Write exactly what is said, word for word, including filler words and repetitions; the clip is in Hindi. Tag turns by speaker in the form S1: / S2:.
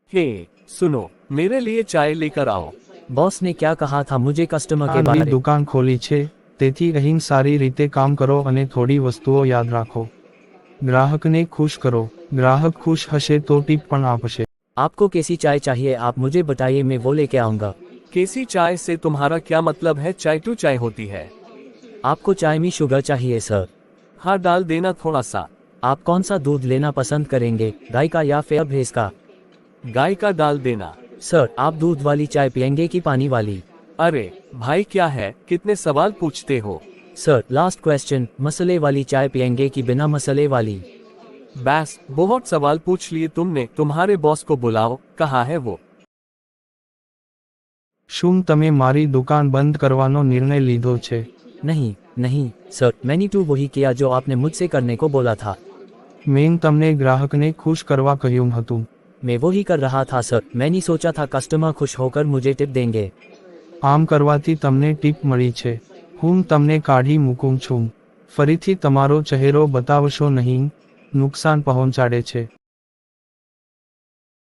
S1: हे सुनो, मेरे लिए चाय लेकर आओ।
S2: बॉस ने क्या कहा था मुझे कस्टमर के
S3: આ
S2: बारे
S3: નવી દુકાન ખોલી છે તેથી અહીં સારી રીતે કામ કરો અને થોડી વસ્તુઓ યાદ રાખો. ગ્રાહકને ખુશ કરો. ગ્રાહક ખુશ હશે તો ટીપ પણ આપશે.
S2: आपको कैसी चाय चाहिए आप मुझे बताइए मैं वो लेके आऊँगा।
S1: कैसी चाय से तुम्हारा क्या मतलब है? चाय टू चाय होती है।
S2: आपको चाय में शुगर चाहिए सर?
S1: हाँ डाल देना थोड़ा सा।
S2: आप कौन सा दूध लेना पसंद करेंगे, गाय का या फिर भैंस का?
S1: गाय का डाल देना।
S2: सर आप दूध वाली चाय पियेंगे कि पानी वाली?
S1: अरे भाई क्या है, कितने सवाल पूछते हो।
S2: सर लास्ट क्वेश्चन, मसाले वाली चाय पियेंगे कि बिना मसाले वाली?
S1: बस बहुत सवाल पूछ लिए तुमने, तुम्हारे बॉस को बुलाओ, कहाँ है वो?
S3: શું તમે મારી દુકાન બંધ કરવાનો નિર્ણય લીધો છે?
S2: नहीं नहीं सर, मैंने तो वही किया जो आपने मुझसे करने को बोला था।
S3: મેં તમને ગ્રાહકને ખુશ કરવા કહ્યું હતું.
S2: मैं वही कर रहा था सर, मैंने सोचा था कस्टमर खुश होकर मुझे टिप देंगे।
S3: આમ કરવાથી તમને ટીપ મળી છે. હું તમને કાઢી મૂકું છું. ફરીથી તમારો ચહેરો બતાવશો નહીં, નુકસાન પહોંચાડે છે.